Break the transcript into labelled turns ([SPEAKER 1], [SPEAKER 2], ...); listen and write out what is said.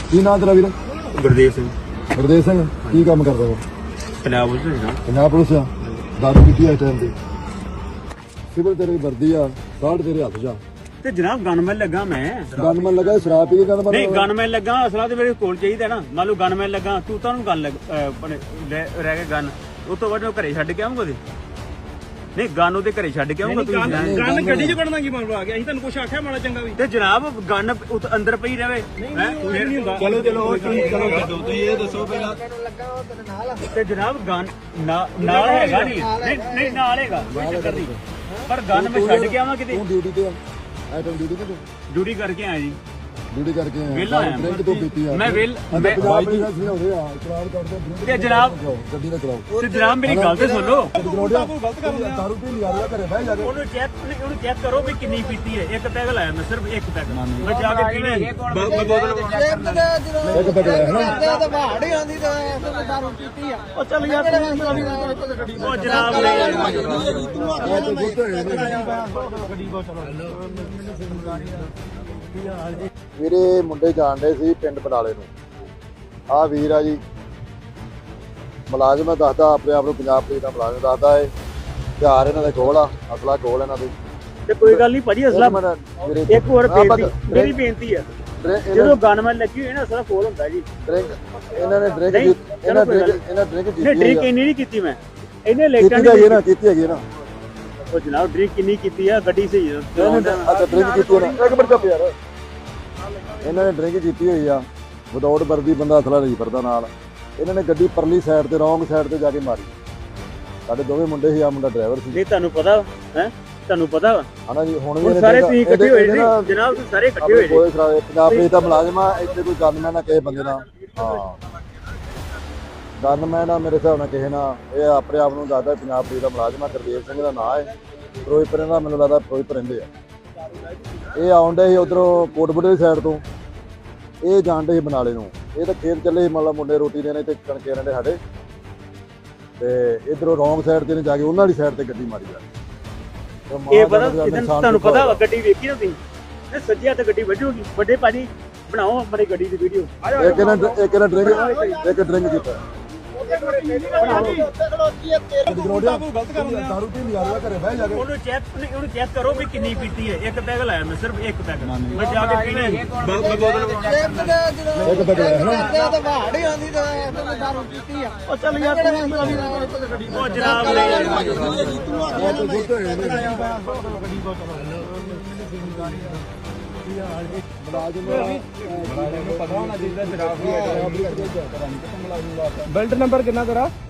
[SPEAKER 1] ਕੀ ਨਾਂ ਤੇਰਾ ਵੀਰ?
[SPEAKER 2] ਗੁਰਦੇਵ ਸਿੰਘ।
[SPEAKER 1] ਗੁਰਦੇਵ ਸਿੰਘ ਕੀ ਕੰਮ ਕਰਦਾ ਵਾ?
[SPEAKER 2] ਪੰਜਾਬ ਪੁਲਿਸ ਵਿੱਚ ਨਾ।
[SPEAKER 1] ਪੰਜਾਬ ਪੁਲਿਸ ਆ। ਦਾਰੂ ਪੀਤੀ ਆ ਇਸ ਟਾਈਮ ਤੇ? ਸਿਵਲ ਤੇਰੀ ਵਰਦੀ ਆ, ਕਾਰਡ ਤੇਰੇ ਹੱਥ 'ਚ ਆ।
[SPEAKER 2] ਤੇ ਜਨਾਬ ਗਨਮੈਨ ਲੱਗਾ ਮੈਂ।
[SPEAKER 1] ਗਨਮੈਨ ਲੱਗਾ ਸ਼ਰਾਬ ਪੀ ਕੇ ਗਨਮੈਨ?
[SPEAKER 2] ਨਹੀਂ ਗਨਮੈਨ ਲੱਗਾ, ਅਸਲਾ ਤੇ ਮੇਰੇ ਕੋਲ ਚਾਹੀਦਾ ਨਾ। ਮੰਨ ਲਓ ਗਨਮੈਨ ਲੱਗਾ, ਤੂੰ ਤੁਹਾਨੂੰ ਗਨ ਰਹਿ ਕੇ ਗਨ ਉਸ ਤੋਂ ਬਾਅਦ ਮੈਂ ਘਰੇ ਛੱਡ ਕੇ ਆਉਂਗਾ ਉਹਦੇ। ਨਹੀਂ ਗਨ ਉਹਦੇ ਘਰੇ ਛੱਡ ਕੇ ਆਉਂਗਾ। ਤੁਸੀਂ
[SPEAKER 3] ਗਨ ਗੱਡੀ 'ਚ ਕੱਢਣਾ ਕੀ ਮਾਮਲਾ ਆ ਗਿਆ? ਅਸੀਂ ਤੁਹਾਨੂੰ ਕੁਛ ਆਖਿਆ ਮਾੜਾ ਚੰਗਾ ਵੀ?
[SPEAKER 2] ਤੇ ਜਨਾਬ ਗਨ ਅੰਦਰ ਪਈ ਰਵੇ।
[SPEAKER 3] ਚਲੋ ਚਲੋ ਛੱਡੋ, ਤੁਸੀਂ ਇਹ ਦੱਸੋ ਪਹਿਲਾਂ।
[SPEAKER 2] ਤੇ ਜਨਾਬ ਗਨ ਨਾਲ ਹੈਗਾ ਨਹੀਂ ਨਾਲ ਹੈਗਾ, ਕੋਈ ਚੱਕਰ ਨਹੀਂ। ਪਰ ਗਨ ਮੈਂ ਛੱਡ ਕੇ ਆਵਾਂ ਕਿਤੇ?
[SPEAKER 1] ਤੂੰ ਡਿਊਟੀ ਤੇ ਆ? ਆਈਟਮ ਡਿਊਟੀ ਤੇ ਤੂੰ?
[SPEAKER 2] ਡਿਊਟੀ ਕਰਕੇ ਆਇਆ ਜੀ।
[SPEAKER 1] ਡਿਊਟੀ ਕਰਕੇ
[SPEAKER 2] ਵਿਹਲਾ ਆਇਆ
[SPEAKER 1] ਡਰਿੰਕ ਤੋਂ ਪੀਤੀ ਆ?
[SPEAKER 2] ਮੈਂ
[SPEAKER 1] ਪੰਜਾਬ ਪੁਲਿਸ ਦਾ ਸਿਰ ਹੋਵੇ ਆ, ਚਲਾਨ ਕਰਦੇ
[SPEAKER 2] ਤੇ ਜਨਾਬ
[SPEAKER 1] ਗੱਡੀ ਨਾ ਚਲਾਓ।
[SPEAKER 2] ਤੇ ਜਨਾਬ ਮੇਰੀ ਗੱਲ ਤੇ ਸੁਣ ਲਓ।
[SPEAKER 1] ਗਲਤ ਕਰ ਰਿਹਾ। ਦਾਰੂ ਪੀ ਲਿਆ ਰਿਹਾ ਘਰੇ ਬਹਿ ਜਾ ਕੇ।
[SPEAKER 2] ਉਹਨੂੰ ਚੈੱਕ ਕਰੋ ਵੀ ਕਿੰਨੀ ਪੀਤੀ ਹੈ। ਇੱਕ ਪੈਗ ਲਾਇਆ ਮੈਂ, ਸਿਰਫ ਇੱਕ ਪੈਗ। ਮੈਂ ਜਾ ਕੇ ਪੀਣੀ
[SPEAKER 1] ਇੱਕ ਪੈਗ ਲਾਇਆ ਨਾ?
[SPEAKER 2] ਉਹ ਚੱਲ ਯਾਰ ਉਹ ਜਨਾਬ
[SPEAKER 1] ਵੀਰੇ ਮੁੰਡੇ ਜਾਣਦੇ ਸੀ ਪਿੰਡ ਬਨਾਲੇ ਨੂੰ। ਆ ਵੀਰ ਆ ਜੀ, ਮੁਲਾਜ਼ਮ ਦੱਸਦਾ ਆਪਣੇ ਆਪ ਨੂੰ ਪੰਜਾਬ ਪੁਲਿਸ ਦਾ ਮੁਲਾਜ਼ਮ ਦੱਸਦਾ ਏ। ਹਥਿਆਰ ਇਹਨਾਂ ਦੇ ਕੋਲ ਆ, ਅਸਲਾ ਕੋਲ ਇਹਨਾਂ ਦੇ।
[SPEAKER 2] ਤੇ ਕੋਈ ਗੱਲ ਨਹੀਂ ਭਾਜੀ, ਅਸਲਾ ਇੱਕ ਹੋਰ ਮੇਰੀ ਬੇਨਤੀ ਹੈ, ਜਦੋਂ ਗਨਮੈਨ ਲੱਗੀ ਹੋਈ ਨਾ ਅਸਲਾ ਕੋਲ ਹੁੰਦਾ ਜੀ।
[SPEAKER 1] ਡਰਿੰਕ ਇਹਨਾਂ ਨੇ ਡਰਿੰਕ
[SPEAKER 2] ਡਰਿੰਕ ਇੰਨੀ ਨਹੀਂ ਕੀਤੀ ਮੈਂ। ਇਹਨੇ
[SPEAKER 1] ਕੀਤੀ ਹੈਗੀ ਨਾ, ਕੀਤੀ ਹੈਗੀ ਨਾ।
[SPEAKER 2] ਉਹ ਜਨਾਬ ਡਰਿੰਕ ਕਿੰਨੀ ਕੀਤੀ ਆ? ਗੱਡੀ ਸਹੀ
[SPEAKER 1] ਅੱਛਾ ਡਰਿੰਕ ਕੀਤੀ ਨਾ। ਇੱਕ ਮਿੰਟ ਚੁੱਪ ਯਾਰ। ਇਹਨਾਂ ਨੇ ਡਰਿੰਕ ਕੀਤੀ ਹੋਈ ਆ, ਵਿਦਆਊਟ ਵਰਦੀ, ਬੰਦਾ ਅਸਲਾ ਨਹੀਂ ਫਿਰਦਾ ਨਾਲ। ਇਹਨਾਂ ਨੇ ਗੱਡੀ ਪਰਲੀ ਸਾਈਡ ਤੇ ਰੌਂਗ ਸਾਈਡ ਤੇ ਜਾ ਕੇ ਮਾਰੀ। ਸਾਡੇ ਦੋਵੇਂ ਮੁੰਡੇ ਸੀ, ਆ ਮੁੰਡਾ ਡਰਾਈਵਰ ਸੀ।
[SPEAKER 2] ਨਹੀਂ ਤੁਹਾਨੂੰ ਪਤਾ ਹੈ? ਤੁਹਾਨੂੰ ਪਤਾ ਵਾ
[SPEAKER 1] ਹਨਾ ਜੀ? ਹੁਣ ਵੀ
[SPEAKER 2] ਸਾਰੇ ਤੁਸੀਂ ਇਕੱਠੇ ਹੋਏ ਸੀ ਜਨਾਬ, ਤੁਸੀਂ ਸਾਰੇ ਇਕੱਠੇ ਹੋਏ
[SPEAKER 1] ਸੀ। ਪੰਜਾਬ ਪੁਲਿਸ ਦਾ ਮੁਲਾਜ਼ਮ ਆ, ਇੱਥੇ ਕੋਈ ਗਨਮੈਨ ਨਾ ਕਿਸੇ ਬੰਦੇ ਨਾਲ। ਹਾਂ ਗਨਮੈਨ ਆ ਮੇਰੇ ਹਿਸਾਬ ਨਾਲ ਕਿਸੇ ਨਾਲ। ਇਹ ਆਪਣੇ ਆਪ ਨੂੰ ਦੱਸਦਾ ਪੰਜਾਬ ਪੁਲਿਸ ਦਾ ਮੁਲਾਜ਼ਮ ਆ। ਗੁਰਦੇਵ ਸਿੰਘ ਦਾ ਨਾਂ ਹੈ। ਫਿਰੋਜ਼ਪੁਰ ਦਾ, ਮੈਨੂੰ ਲੱਗਦਾ ਫਿਰੋਜ਼ਪੁਰ ਰਹਿੰਦੇ ਆ। ਇਹ ਆਉਂਦੇ ਸੀ ਉਧਰੋਂ ਕੋਟਬੁੱਢੇ ਦੀ ਸਾਈਡ ਤੋਂ, ਇਹ ਜਾਣਦੇ ਸੀ ਬਨਾਲੇ ਨੂੰ। ਇਹ ਤਾਂ ਖੇਤ ਚੱਲੇ ਸੀ, ਮਤਲਬ ਮੁੰਡੇ ਰੋਟੀ ਦੇਣੇ ਤੇ ਕਣਕੇ ਰਹਿੰਦੇ ਸਾਡੇ। ਤੇ ਇਧਰੋਂ ਰੌਂਗ ਸਾਈਡ ਤੇ ਨੇ ਜਾ ਕੇ ਉਹਨਾਂ ਵਾਲੀ ਸਾਈਡ ਤੇ ਗੱਡੀ ਮਾਰੀ ਜਾ।
[SPEAKER 2] ਇਹ ਪਤਾ ਤੁਹਾਨੂੰ ਪਤਾ ਵਾ? ਗੱਡੀ ਵੇਖੀ ਨਾ ਤੁਸੀਂ? ਇਹ ਸੱਜਿਆ ਤੇ ਗੱਡੀ ਵੱਜੂਗੀ। ਵੱਡੇ ਭਾਜੀ ਬਣਾਓ ਆਪਣੀ ਗੱਡੀ ਦੀ ਵੀਡੀਓ।
[SPEAKER 1] ਇੱਕ ਇਹਨਾਂ ਡਰਿੰਕ ਕੀਤਾ। ਦਾਰੂ ਪੀ ਲਿਆ ਰਿਹਾ ਘਰੇ ਬਹਿ ਜਾ ਕੇ।
[SPEAKER 2] ਉਹਨੂੰ ਚੈੱਕ ਕਰੋ ਵੀ ਕਿੰਨੀ ਪੀਤੀ ਹੈ। ਇੱਕ ਪੈਗ ਲਾਇਆ ਮੈਂ, ਸਿਰਫ ਇੱਕ ਪੈਗ। ਮੈਂ ਜਾ ਕੇ ਪੀਣੀ
[SPEAKER 1] ਇੱਕ ਪੈਗ ਲਾਇਆ ਨਾ?
[SPEAKER 2] ਉਹ ਚੱਲ ਯਾਰ ਉਹ ਜਨਾਬ
[SPEAKER 3] ਬੈਲਟ ਨੰਬਰ ਕਿੰਨਾ ਤੇਰਾ?